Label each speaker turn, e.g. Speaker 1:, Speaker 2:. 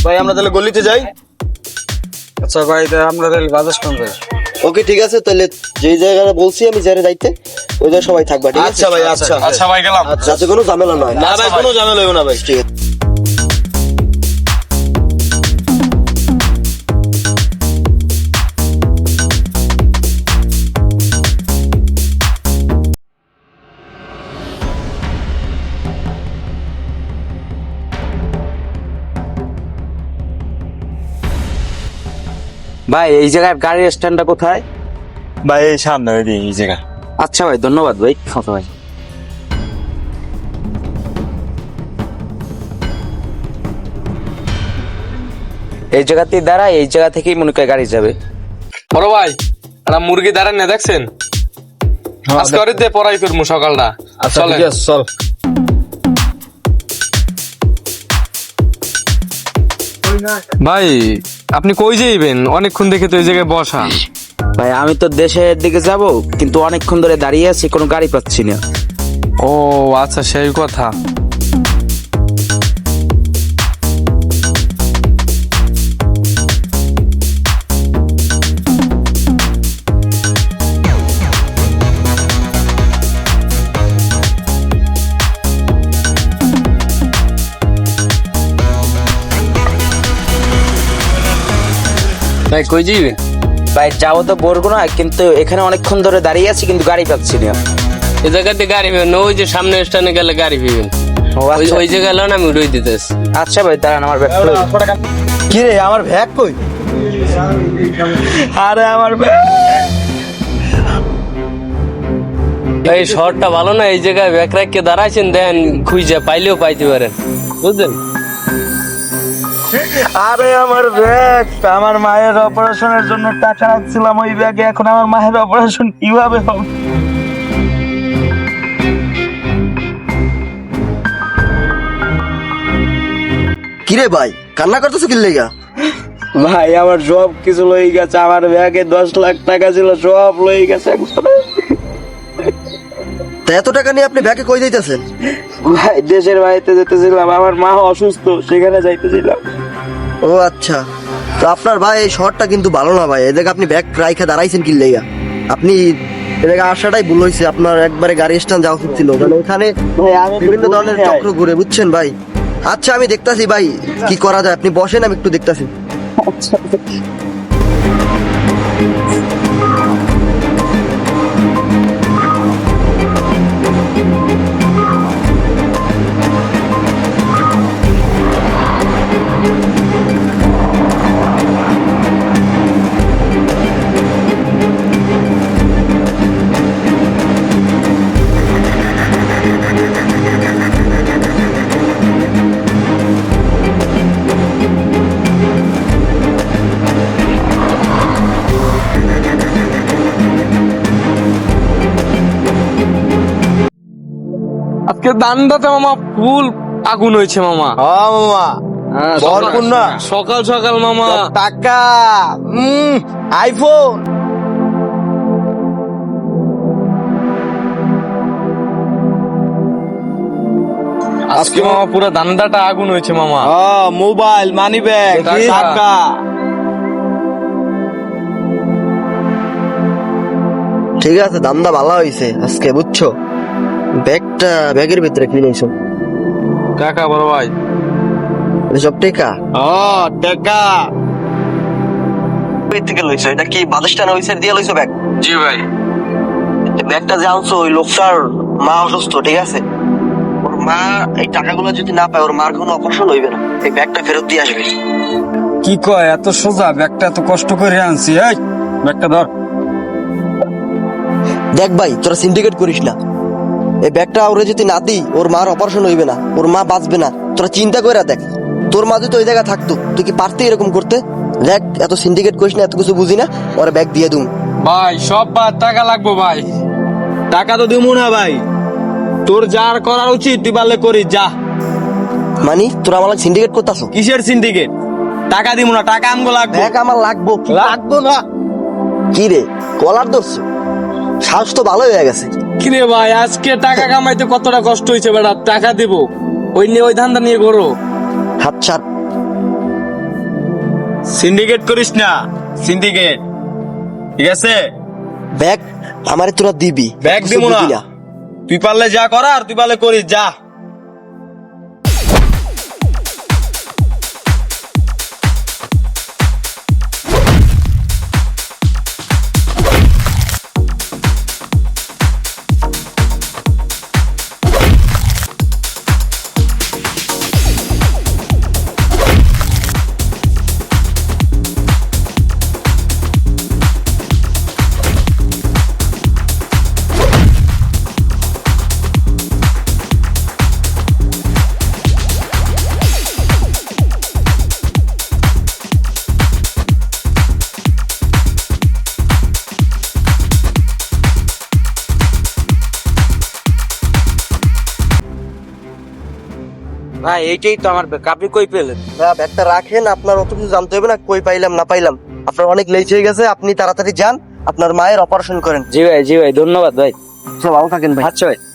Speaker 1: ভাই আমরা তাহলে গলিতে যাই।
Speaker 2: আচ্ছা ভাই আমরা তাহলে বাজাজ কোন ভাই?
Speaker 3: ওকে ঠিক আছে, তাহলে যেই জায়গাটা বলছি আমি যারে যাইতে ওই জায়গায় সবাই থাকবা, ঠিক আছে?
Speaker 1: আচ্ছা ভাই, আচ্ছা
Speaker 4: আচ্ছা ভাই গেলাম।
Speaker 3: যাতে কোনো ঝামেলা না হয়।
Speaker 1: না ভাই, কোনো ঝামেলা হইব না ভাই।
Speaker 3: ঠিক আছে।
Speaker 5: ভাই এই জায়গার গাড়ির স্ট্যান্ডটা কোথায়?
Speaker 4: ভাই এই সামনে ওই দিকে এই জায়গা।
Speaker 5: আচ্ছা ভাই, ধন্যবাদ ভাই। আচ্ছা ভাই, এই জায়গাতেই দাঁড়া, এই জায়গা থেকেই মনে করে গাড়ি যাবে।
Speaker 6: বড় ভাই একটা মুরগি দাঁড়ান না দেখছেন? আজকে ওরে দিয়ে পড়াই করবো সকালটা।
Speaker 1: আচ্ছা
Speaker 6: চলেন।
Speaker 1: ঠিক আছে, চল।
Speaker 6: ভাই আপনি কই যাইবেন? অনেকক্ষণ দেখে তো এই জায়গায় বসা।
Speaker 5: ভাই আমি তো দেশের দিকে যাব, কিন্তু অনেকক্ষণ ধরে দাঁড়িয়ে আছি, কোনো গাড়ি পাচ্ছি না।
Speaker 6: ও আচ্ছা, সেই কথা। ভাই কই যাইবেন?
Speaker 5: ভাই যাবো তো বলবো না, কিন্তু এখানে অনেকক্ষণ ধরে দাঁড়িয়ে আছি, কিন্তু গাড়ি পাচ্ছি না।
Speaker 6: এই জায়গাতে গাড়ি পাবেন না, ওই যে সামনে স্ট্যান্ডে গেলে গাড়ি পাবেন।
Speaker 5: ও
Speaker 6: ওই
Speaker 5: আচ্ছা।
Speaker 6: ওই জায়গায় এলো না, আমি উড়াই দিতেছি।
Speaker 5: আচ্ছা ভাই দাঁড়ান, আমার ব্যাগ
Speaker 3: কি রে, আমার ব্যাগ কই?
Speaker 5: আরে আমার ব্যাগ।
Speaker 6: এই শহরটা ভালো না, এই জায়গায় ব্যাগ রাখকে দাঁড়াইছেন, দেন খুঁজে পাইলেও পাইতে পারেন, বুঝলেন?
Speaker 2: আরে আমার ব্যাগ, আমার মায়ের অপারেশনের জন্য টাকা রাখছিলাম ওই ব্যাগে, এখন আমার মায়ের অপারেশন কিভাবে হবে?
Speaker 3: কি রে ভাই, কান্না করতেছো কি লেগা?
Speaker 2: ভাই আমার সব কিছু লই গেছে, আমার ব্যাগে 10 লাখ টাকা ছিল, সব লই গেছে একবারে।
Speaker 3: তা এত টাকা নিয়ে আপনি ব্যাগে কই যাইতেছেন?
Speaker 2: ভাই দেশের বাড়িতে যেতেছিলাম, আমার মা অসুস্থ, সেখানে যাইতেছিলাম।
Speaker 3: ও আচ্ছা, তো আপনার ভাই এই শহরটা কিন্তু ভালো না ভাই, এদিকে আপনি ব্যাগ রাইখা দাঁড়াইছেন কি লেগা? আপনি এদিকে আসাটাই ভুল হয়েছে, আপনার একবারে গাড়ি স্ট্যান্ড যাওয়া উচিত ছিল, কারণ ওখানে
Speaker 2: ভাই আমি তো
Speaker 3: বিভিন্ন
Speaker 2: বুঝি
Speaker 3: ধরনের
Speaker 2: নাই।
Speaker 3: চক্র ঘুরে, বুঝছেন ভাই? আচ্ছা আমি দেখতাছি ভাই কি করা যায়, আপনি বসেন আমি একটু দেখতাছি।
Speaker 6: আজকে দান্দাতে মামা ফুল আগুন হয়েছে মামা।
Speaker 1: হ্যাঁ মামা, ভরপুর না
Speaker 6: সকাল সকাল মামা।
Speaker 1: টাকা, আইফোন।
Speaker 6: আজকে মামা পুরো দান্দাটা আগুন হয়েছে মামা।
Speaker 1: হ্যাঁ, মোবাইল, মানি ব্যাগ,
Speaker 6: টাকা।
Speaker 1: টাকা।
Speaker 3: ঠিক আছে, দামটা ভালো হয়েছে আজকে, বুঝছো? ব্যাগের ভিতরে কি নিয়েছো?
Speaker 6: টাকা বড় ভাই।
Speaker 3: এসব টাকা
Speaker 1: হ্যাঁ, টাকা।
Speaker 3: কই থেকে লইছো? এটা কি বাদেশটা না হইছে দিয়ে লইছো ব্যাগ?
Speaker 6: জি ভাই।
Speaker 3: ব্যাগটা যে আনছো ওই লোকটার মা অসুস্থ, ঠিক আছে? ওর মা এই টাকাগুলো যদি না পায়, ওর মার কোনো অপারেশন হইবে না, এই ব্যাগটা ফেরত দিয়ে আসবে।
Speaker 2: কি কয়, এত সোজা? ব্যাগটা এত কষ্ট করে আনছি, এই ব্যাগটা ধর।
Speaker 3: দেখ ভাই, তোরা সিন্ডিকেট করিস না, এই ব্যাগটা ওরে যদি না দিই ওর মার অপারেশন হইবে না, ওর মা বাঁচবে না। তোরা চিন্তা করে দেখ, তোর মা যদি ওই জায়গায় থাকতো তুই কি পারতি এরকম করতে? দেখ, এত সিন্ডিকেট করিস না, এত কিছু বুঝি না, ওরা ব্যাগ দিয়ে দুম।
Speaker 6: ভাই সব বাদ, টাকা লাগবো ভাই।
Speaker 1: টাকা তো দিমু না ভাই, তোর যার করার উচিত তুই পারলে করিস, যা।
Speaker 3: মানে তোরা আমার সিন্ডিকেট করতেছো?
Speaker 1: কিসের সিন্ডিকেট? টাকা দিমু না, টাকা আমগো লাগবে।
Speaker 3: ব্যাগ আমার লাগবো।
Speaker 1: লাগবো না।
Speaker 3: কি রে, কলার ধরছো? শ্বাস তো ভালো হয়ে গেছে।
Speaker 6: কিরে ভাই, আজকে টাকা কামাইতে কতটা কষ্ট হয়েছে বেটা, টাকা দিব। ওই নিয়ে ওই ধান্দা নিয়ে করো।
Speaker 3: হাত ছাড়।
Speaker 1: সিন্ডিকেট করিস না, সিন্ডিকেট, ঠিক আছে?
Speaker 3: ব্যাগ আমারে তোরা দিবি,
Speaker 1: ব্যাগ
Speaker 3: কিছু
Speaker 1: দিব না,
Speaker 3: দিবি
Speaker 1: তুই পারলে যা করার তুই পারলে করিস, যা।
Speaker 5: ভাই এইটাই তো আমার ব্যাগ, আপনি কই পেলেন?
Speaker 3: না, ব্যাগটা রাখেন, আপনার অত কিছু জানতে হবে না, কই পাইলাম না পাইলাম। আপনার অনেক লেট হয়ে গেছে, আপনি তাড়াতাড়ি যান, আপনার মায়ের অপারেশন করেন।
Speaker 5: জি ভাই, জি ভাই, ধন্যবাদ ভাই।
Speaker 3: ভালো থাকেন ভাই।
Speaker 5: আচ্ছা ভাই।